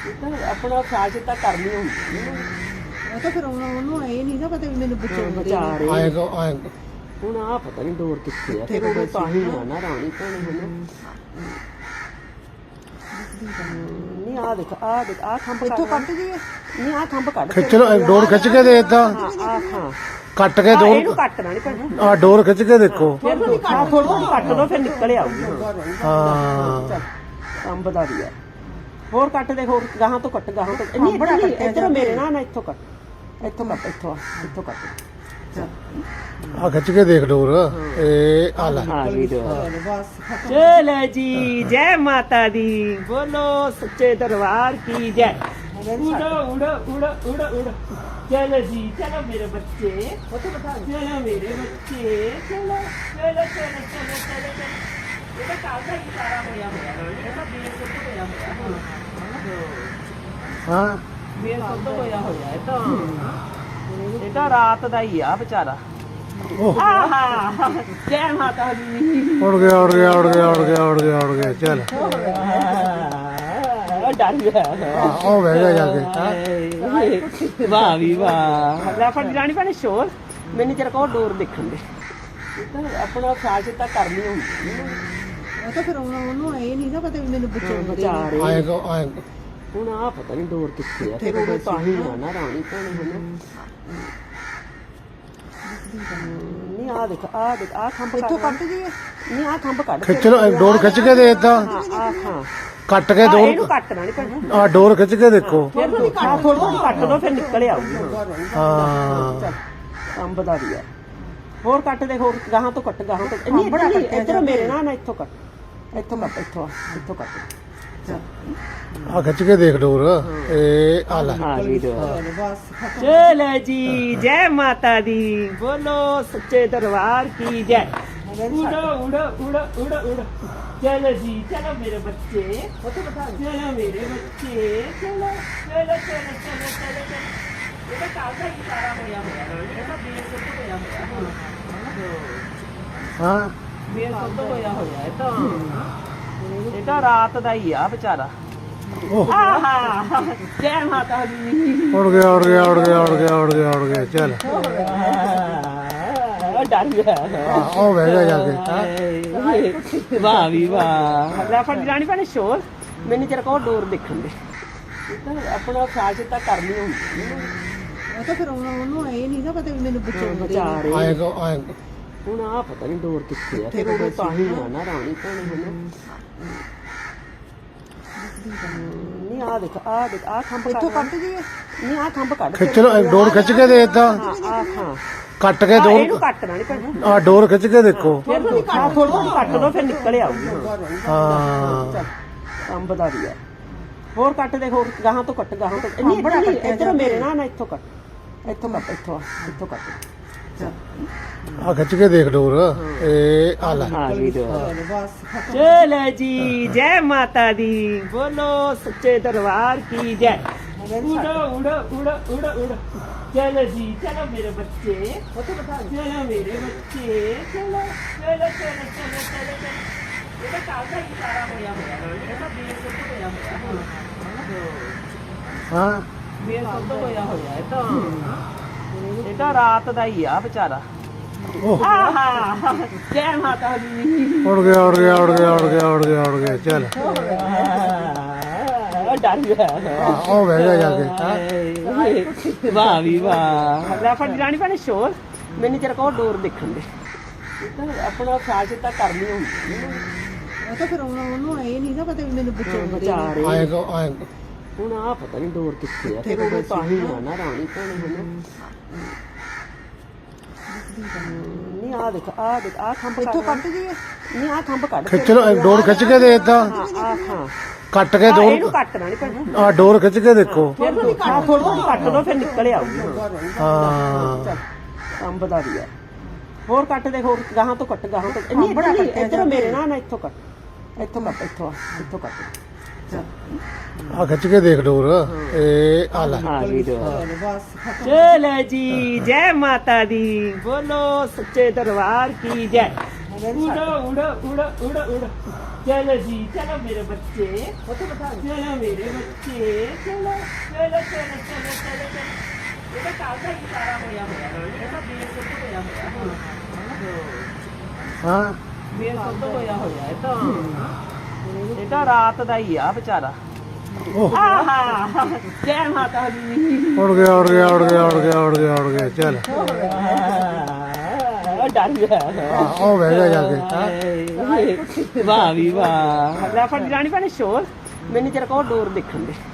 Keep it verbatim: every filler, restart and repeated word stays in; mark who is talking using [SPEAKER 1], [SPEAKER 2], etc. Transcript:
[SPEAKER 1] ਤਾਂ ਆਪਣਾ ਸਾਜ ਤਾਂ ਕਰਨੀ ਹੁੰਦੀ ਹੈ
[SPEAKER 2] ਉਹ ਤਾਂ ਫਿਰ ਉਹਨੂੰ ਉਹਨੂੰ ਇਹ ਨਹੀਂ ਨਾ ਪਤਾ ਵੀ ਮੈਨੂੰ ਬਚਾਉਂਦੇ
[SPEAKER 1] ਬਚਾ
[SPEAKER 2] ਨੇ।
[SPEAKER 1] ਰਹੇ
[SPEAKER 3] ਆਏ ਕੋ ਆਏ
[SPEAKER 1] ਹੁਣ ਆ ਪਤਾ ਨਹੀਂ ਡੋਰ ਕਿੱਥੇ ਆ ਫਿਰ ਉਹ ਤਾਂ ਹੀ ਆ ਨਾ ਰਾਣੀ ਭੈਣੇ ਹੁਣ ਨਹੀਂ ਆ ਦੇਖ ਆ ਦੇਖ ਆ ਖੰਭ
[SPEAKER 2] ਇੱਥੋਂ ਕੱਟ ਜੀਏ
[SPEAKER 1] ਨਹੀਂ ਆ ਖੰਭ ਕੱਢ
[SPEAKER 3] ਖਿੱਚ ਲੋ ਡੋਰ ਖਿੱਚ ਕੇ ਦੇ ਏਦਾਂ
[SPEAKER 1] ਹਾਂ ਆ ਹਾਂ
[SPEAKER 3] ਕੱਟ ਕੇ
[SPEAKER 1] ਆਹ ਇਹਨੂੰ
[SPEAKER 3] ਡੋਰ
[SPEAKER 1] ਕੱਟਣਾ ਨਹੀਂ ਪੈਣਾ
[SPEAKER 3] ਆ ਡੋਰ ਖਿੱਚ ਕੇ ਦੇਖੋ
[SPEAKER 1] ਫਿਰ ਥੋੜੀ ਥੋੜੀ ਕੱਟ ਦੋ ਫਿਰ ਨਿਕਲ ਆਊਗੀ
[SPEAKER 3] ਹਾਂ
[SPEAKER 1] ਅੰਬ ਦਾ ਵੀ ਆ ਹੋਰ ਕੱਟ ਦੇ ਹੋਰ ਗਾਹਾਂ ਤੋਂ ਕੱਟ ਗਾਹਾਂ ਤੋਂ ਨਹੀਂ ਬੜਾ ਕੱਟ ਇੱਧਰ ਮੇਰੇ ਨਾਲ ਨਾ ਇੱਥੋਂ ਕੱਟ ਇੱਥੋਂ ਕੱਟ ਇੱਥੋਂ ਇੱਥੋਂ ਕੱਟ
[SPEAKER 3] ਆ ਖਿੱਚ ਕੇ ਦੇਖ ਡੋਰ ਇਹ ਆ ਲੈ
[SPEAKER 1] ਆ ਗਈ ਦੋ
[SPEAKER 2] ਬਸ ਖਤਮ।
[SPEAKER 1] ਚਲੋ ਜੀ ਜੈ ਮਾਤਾ ਦੀ ਬੋਲੋ ਸੱਚੇ ਦਰਬਾਰ ਕੀ ਜੈ ਉੜੋ ਉੜੋ ਉੜੋ ਉੜੋ ਉੜੋ ਚਲੋ ਜੀ ਚਲੋ ਮੇਰੇ ਬੱਚੇ ਚਲੋ ਮੇਰੇ ਬੱਚੇ ਚਲੋ ਚਲੋ ਚਲੋ ਚਲੋ ਚਲੋ ਚਲੋ ਇਹਦਾ ਕਾਲ ਦਾ ਹੀ ਸਾਰਾ ਹੋਇਆ ਹੋਇਆ ਇਹਦਾ ਬੇਰ ਸੁੱਤ ਹੋਇਆ ਹੋਇਆ
[SPEAKER 3] ਹਾਂ
[SPEAKER 1] ਬੇਰ ਸੁੱਤ ਹੋਇਆ ਹੋਇਆ ਇਹ ਤਾਂ ਇਹ ਤਾਂ ਰਾਤ ਦਾ ਹੀ ਆ ਵਿਚਾਰਾ
[SPEAKER 3] ਉਹ
[SPEAKER 1] ਆਹਾ ਜੈ ਮਾਤਾ ਦੀ
[SPEAKER 3] ਉੜ ਗਿਆ ਉੜ ਗਿਆ ਉੜ ਗਿਆ ਉੜ ਗਿਆ ਉੜ ਗਿਆ ਉੜ ਗਿਆ ਚੱਲ
[SPEAKER 1] ਉਹ ਡਰ ਗਿਆ
[SPEAKER 3] ਆ ਉਹ ਬਹਿ ਗਿਆ ਜਾ ਕੇ
[SPEAKER 1] ਹਾਏ ਵਾਹ ਵੀ ਵਾਹ ਲੈ ਫੜ ਜਾਣੀ ਭੈਣੇ ਸ਼ੋਰ ਮੈਨੂੰ ਤੇਰੇ ਕੋਲ ਡੋਰ ਦੇਖਣ ਦੇ ਇਹ ਤਾਂ ਆਪਣਾ ਸਾਜ ਤਾਂ ਕਰਨੀ ਹੁੰਦੀ ਹੈ
[SPEAKER 2] ਉਹ ਤਾਂ ਫਿਰ ਉਹਨੂੰ ਉਹਨੂੰ ਇਹ ਨਹੀਂ ਨਾ ਪਤਾ ਵੀ ਮੈਨੂੰ ਬਚਾਉਂਦੇ
[SPEAKER 1] ਬਚਾ
[SPEAKER 2] ਨੇ।
[SPEAKER 1] ਰਹੇ
[SPEAKER 3] ਆਏ ਕੋ ਆਏ
[SPEAKER 1] ਹੁਣ ਆ ਪਤਾ ਨਹੀਂ ਡੋਰ ਕਿੱਥੇ ਆ ਫਿਰ ਉਹ ਤਾਂ ਹੀ ਆ ਨਾ ਰਾਣੀ ਭੈਣੇ ਹੁਣ ਨਹੀਂ ਆ ਦੇਖ ਆ ਦੇਖ ਆ ਖੰਭ
[SPEAKER 2] ਇੱਥੋਂ ਕੱਟ ਜੀਏ
[SPEAKER 1] ਨਹੀਂ ਆ ਖੰਭ ਕੱਢ
[SPEAKER 3] ਖਿੱਚ ਲੋ ਡੋਰ ਖਿੱਚ ਕੇ ਦੇ ਏਦਾਂ
[SPEAKER 1] ਹਾਂ ਆ ਹਾਂ
[SPEAKER 3] ਕੱਟ ਕੇ
[SPEAKER 1] ਆਹ ਇਹਨੂੰ
[SPEAKER 3] ਡੋਰ
[SPEAKER 1] ਕੱਟਣਾ ਨਹੀਂ ਪੈਣਾ
[SPEAKER 3] ਆ ਡੋਰ ਖਿੱਚ ਕੇ ਦੇਖੋ
[SPEAKER 1] ਫਿਰ ਥੋੜੀ ਥੋੜੀ ਕੱਟ ਦੋ ਫਿਰ ਨਿਕਲ ਆਊਗੀ
[SPEAKER 3] ਹਾਂ
[SPEAKER 1] ਅੰਬ ਦਾ ਵੀ ਆ ਹੋਰ ਕੱਟ ਦੇ ਹੋਰ ਗਾਹਾਂ ਤੋਂ ਕੱਟ ਗਾਹਾਂ ਤੋਂ ਨਹੀਂ ਬੜਾ ਕੱਟ ਇੱਧਰ ਮੇਰੇ ਨਾਲ ਨਾ ਇੱਥੋਂ ਕੱਟ ਇੱਥੋਂ ਕੱਟ ਇੱਥੋਂ ਇੱਥੋਂ ਕੱਟ
[SPEAKER 3] ਆ ਖਿੱਚ ਕੇ ਦੇਖ ਡੋਰ ਇਹ ਆ ਲੈ
[SPEAKER 1] ਆ ਗਈ ਦੋ
[SPEAKER 2] ਬਸ ਖਤਮ।
[SPEAKER 1] ਚਲੋ ਜੀ ਜੈ ਮਾਤਾ ਦੀ ਬੋਲੋ ਸੱਚੇ ਦਰਬਾਰ ਕੀ ਜੈ ਉੜੋ ਉੜੋ ਉੜੋ ਉੜੋ ਉੜੋ ਚਲੋ ਜੀ ਚਲੋ ਮੇਰੇ ਬੱਚੇ ਚਲੋ ਮੇਰੇ ਬੱਚੇ ਚਲੋ ਚਲੋ ਚਲੋ ਚਲੋ ਚਲੋ ਚਲੋ ਇਹਦਾ ਕਾਲ ਦਾ ਹੀ ਸਾਰਾ ਹੋਇਆ ਹੋਇਆ ਇਹਦਾ ਬੇਰ ਸੁੱਤ ਹੋਇਆ ਹੋਇਆ
[SPEAKER 3] ਹਾਂ
[SPEAKER 1] ਬੇਰ ਸੁੱਤ ਹੋਇਆ ਹੋਇਆ ਇਹ ਤਾਂ ਇਹ ਤਾਂ ਰਾਤ ਦਾ ਹੀ ਆ ਵਿਚਾਰਾ
[SPEAKER 3] ਉਹ
[SPEAKER 1] ਆਹਾ ਜੈ ਮਾਤਾ ਦੀ
[SPEAKER 3] ਉੜ ਗਿਆ ਉੜ ਗਿਆ ਉੜ ਗਿਆ ਉੜ ਗਿਆ ਉੜ ਗਿਆ ਉੜ ਗਿਆ ਚੱਲ
[SPEAKER 1] ਉਹ ਡਰ ਗਿਆ
[SPEAKER 3] ਆ ਉਹ ਬਹਿ ਗਿਆ ਜਾ ਕੇ
[SPEAKER 1] ਵਾਹ ਵੀ ਵਾਹ ਲੈ ਫੜ ਜਾਣੀ ਭੈਣੇ ਸ਼ੋਰ ਮੈਨੂੰ ਤੇਰੇ ਕੋਲ ਡੋਰ ਦੇਖਣ ਦੇ ਇਹ ਤਾਂ ਆਪਣਾ ਸਾਜ ਤਾਂ ਕਰਨੀ ਹੁੰਦੀ ਹੈ
[SPEAKER 2] ਉਹ ਤਾਂ ਫਿਰ ਉਹਨੂੰ ਉਹਨੂੰ ਇਹ ਨਹੀਂ ਨਾ ਪਤਾ ਵੀ ਮੈਨੂੰ ਬਚਾਉਂਦੇ
[SPEAKER 1] ਬਚਾ
[SPEAKER 2] ਨੇ।
[SPEAKER 1] ਰਹੇ
[SPEAKER 3] ਆਏ ਕੋ ਆਏ
[SPEAKER 1] ਹੁਣ ਆ ਪਤਾ ਨਹੀਂ ਡੋਰ ਕਿੱਥੇ ਆ ਫਿਰ ਉਹ ਤਾਂ ਹੀ ਆ ਨਾ ਰਾਣੀ ਭੈਣੇ ਹੁਣ ਨਹੀਂ ਆ ਦੇਖ ਆ ਦੇਖ ਆ ਖੰਭ
[SPEAKER 2] ਇੱਥੋਂ ਕੱਟ ਜੀਏ
[SPEAKER 1] ਨਹੀਂ ਆ ਖੰਭ ਕੱਢ
[SPEAKER 3] ਖਿੱਚ ਲੋ ਡੋਰ ਖਿੱਚ ਕੇ ਦੇ ਏਦਾਂ
[SPEAKER 1] ਹਾਂ ਆ ਹਾਂ
[SPEAKER 3] ਕੱਟ ਕੇ
[SPEAKER 1] ਆਹ ਇਹਨੂੰ
[SPEAKER 3] ਡੋਰ
[SPEAKER 1] ਕੱਟਣਾ ਨਹੀਂ ਪੈਣਾ
[SPEAKER 3] ਆ ਡੋਰ ਖਿੱਚ ਕੇ ਦੇਖੋ
[SPEAKER 1] ਫਿਰ ਥੋੜੀ ਥੋੜੀ ਕੱਟ ਦੋ ਫਿਰ ਨਿਕਲ ਆਊਗੀ
[SPEAKER 3] ਹਾਂ
[SPEAKER 1] ਅੰਬ ਦਾ ਵੀ ਆ ਹੋਰ ਕੱਟ ਦੇ ਹੋਰ ਗਾਹਾਂ ਤੋਂ ਕੱਟ ਗਾਹਾਂ ਤੋਂ ਨਹੀਂ ਬੜਾ ਕੱਟ ਇੱਧਰ ਮੇਰੇ ਨਾਲ ਨਾ ਇੱਥੋਂ ਕੱਟ ਇੱਥੋਂ ਕੱਟ ਇੱਥੋਂ ਇੱਥੋਂ ਕੱਟ
[SPEAKER 3] ਆ ਖਿੱਚ ਕੇ ਦੇਖ ਡੋਰ ਇਹ ਆ ਲੈ
[SPEAKER 1] ਆ ਗਈ ਦੋ
[SPEAKER 2] ਬਸ ਖਤਮ।
[SPEAKER 1] ਚਲੋ ਜੀ ਜੈ ਮਾਤਾ ਦੀ ਬੋਲੋ ਸੱਚੇ ਦਰਬਾਰ ਕੀ ਜੈ ਉੜੋ ਉੜੋ ਉੜੋ ਉੜੋ ਉੜੋ ਚਲੋ ਜੀ ਚਲੋ ਮੇਰੇ ਬੱਚੇ ਚਲੋ ਮੇਰੇ ਬੱਚੇ ਚਲੋ ਚਲੋ ਚਲੋ ਚਲੋ ਚਲੋ ਚਲੋ ਇਹਦਾ ਕਾਲ ਦਾ ਹੀ ਸਾਰਾ ਹੋਇਆ ਹੋਇਆ ਇਹਦਾ ਬੇਰ ਸੁੱਤ ਹੋਇਆ ਹੋਇਆ
[SPEAKER 3] ਹਾਂ
[SPEAKER 1] ਬੇਰ ਸੁੱਤ ਹੋਇਆ ਹੋਇਆ ਇਹ ਤਾਂ ਇਹ ਤਾਂ ਰਾਤ ਦਾ ਹੀ ਆ ਵਿਚਾਰਾ
[SPEAKER 3] ਉਹ
[SPEAKER 1] ਆਹਾ ਜੈ ਮਾਤਾ ਦੀ
[SPEAKER 3] ਉੜ ਗਿਆ ਉੜ ਗਿਆ ਉੜ ਗਿਆ ਉੜ ਗਿਆ ਉੜ ਗਿਆ ਉੜ ਗਿਆ ਚੱਲ
[SPEAKER 1] ਉਹ ਡਰ ਗਿਆ
[SPEAKER 3] ਆ ਉਹ ਬਹਿ ਗਿਆ ਜਾ ਕੇ
[SPEAKER 1] ਵਾਹ ਵੀ ਵਾਹ ਲੈ ਫੜ ਜਾਣੀ ਭੈਣੇ ਸ਼ੋਰ ਮੈਨੂੰ ਤੇਰੇ ਕੋਲ ਡੋਰ ਦੇਖਣ ਦੇ ਇਹ ਤਾਂ ਆਪਣਾ ਸਾਜ ਤਾਂ ਕਰਨੀ ਹੁੰਦੀ ਹੈ
[SPEAKER 2] ਉਹ ਤਾਂ ਫਿਰ ਉਹਨੂੰ ਉਹਨੂੰ ਇਹ ਨਹੀਂ ਨਾ ਪਤਾ ਵੀ ਮੈਨੂੰ ਬਚਾਉਂਦੇ
[SPEAKER 1] ਬਚਾ
[SPEAKER 2] ਨੇ।
[SPEAKER 1] ਰਹੇ
[SPEAKER 3] ਆਏ ਕੋ ਆਏ
[SPEAKER 1] ਹੁਣ ਆ ਪਤਾ ਨਹੀਂ ਡੋਰ ਕਿੱਥੇ ਆ ਫਿਰ ਉਹ ਤਾਂ ਹੀ ਆ ਨਾ ਰਾਣੀ ਭੈਣੇ ਹੁਣ ਨਹੀਂ ਆ ਦੇਖ ਆ ਦੇਖ ਆ ਖੰਭ
[SPEAKER 2] ਇੱਥੋਂ ਕੱਟ ਜੀਏ
[SPEAKER 1] ਨਹੀਂ ਆ ਖੰਭ ਕੱਢ
[SPEAKER 3] ਖਿੱਚ ਲੋ ਡੋਰ ਖਿੱਚ ਕੇ ਦੇ ਏਦਾਂ
[SPEAKER 1] ਹਾਂ ਆ ਹਾਂ
[SPEAKER 3] ਕੱਟ ਕੇ
[SPEAKER 1] ਆਹ
[SPEAKER 3] ਡੋਰ
[SPEAKER 1] ਇਹਨੂੰ ਕੱਟਣਾ ਨਹੀਂ ਪੈਣਾ
[SPEAKER 3] ਆ ਡੋਰ ਖਿੱਚ ਕੇ ਦੇਖੋ
[SPEAKER 1] ਫਿਰ ਥੋੜੀ ਥੋੜੀ ਕੱਟ ਦੋ ਫਿਰ ਨਿਕਲ ਆਊਗੀ
[SPEAKER 3] ਹਾਂ
[SPEAKER 1] ਅੰਬ ਦਾ ਵੀ ਆ ਹੋਰ ਕੱਟ ਦੇ ਹੋਰ ਗਾਹਾਂ ਤੋਂ ਕੱਟ ਗਾਹਾਂ ਤੋਂ ਨਹੀਂ ਬੜਾ ਕੱਟ ਇੱਧਰ ਮੇਰੇ ਨਾਲ ਨਾ ਇੱਥੋਂ ਕੱਟ ਇੱਥੋਂ ਕੱਟ ਇੱਥੋਂ ਇੱਥੋਂ ਕੱਟ
[SPEAKER 3] ਆ ਖਿੱਚ ਕੇ ਦੇਖ ਡੋਰ ਇਹ ਆ ਲੈ
[SPEAKER 1] ਆ ਗਈ ਦੋ
[SPEAKER 2] ਬਸ ਖਤਮ।
[SPEAKER 1] ਚਲੋ ਜੀ ਜੈ ਮਾਤਾ ਦੀ ਬੋਲੋ ਸੱਚੇ ਦਰਬਾਰ ਕੀ ਜੈ उड़ो उड़ो उड़ो उड़ो उड़ो चलो जी चलो मेरे बच्चे चलो मेरे बच्चे चलो चलो चलो चलो चलो चलो ये तो काल का ही सारा होया होया ये तो बेर सुੱਧ होया होया
[SPEAKER 3] ਹਾਂ
[SPEAKER 1] बेर सुੱਧ होया होया ये तो ये तो रात ਦਾ ਹੀ ਆ ਵਿਚਾਰਾ
[SPEAKER 3] ਉਹ
[SPEAKER 1] ਆਹਾ ਜੈ ਮਾਤਾ ਦੀ
[SPEAKER 3] ਉੜ ਗਿਆ ਉੜ ਗਿਆ ਉੜ ਗਿਆ ਉੜ ਗਿਆ ਉੜ ਗਿਆ ਉੜ ਗਿਆ ਚੱਲ
[SPEAKER 1] ਡਰ ਗਿਆ
[SPEAKER 3] ਹਾਂ, ਉਹ ਬਹਿ ਗਿਆ ਜਾ ਕੇ
[SPEAKER 1] ਵਾਹ ਵੀ ਵਾਹ ਲੈ ਫੜ ਜਾਣੀ ਪੈਣੇ ਸ਼ੋਰ ਮੈਨੂੰ ਤੇਰਾ ਕੋਲ ਡੋਰ ਦੇਖਣ ਦੇ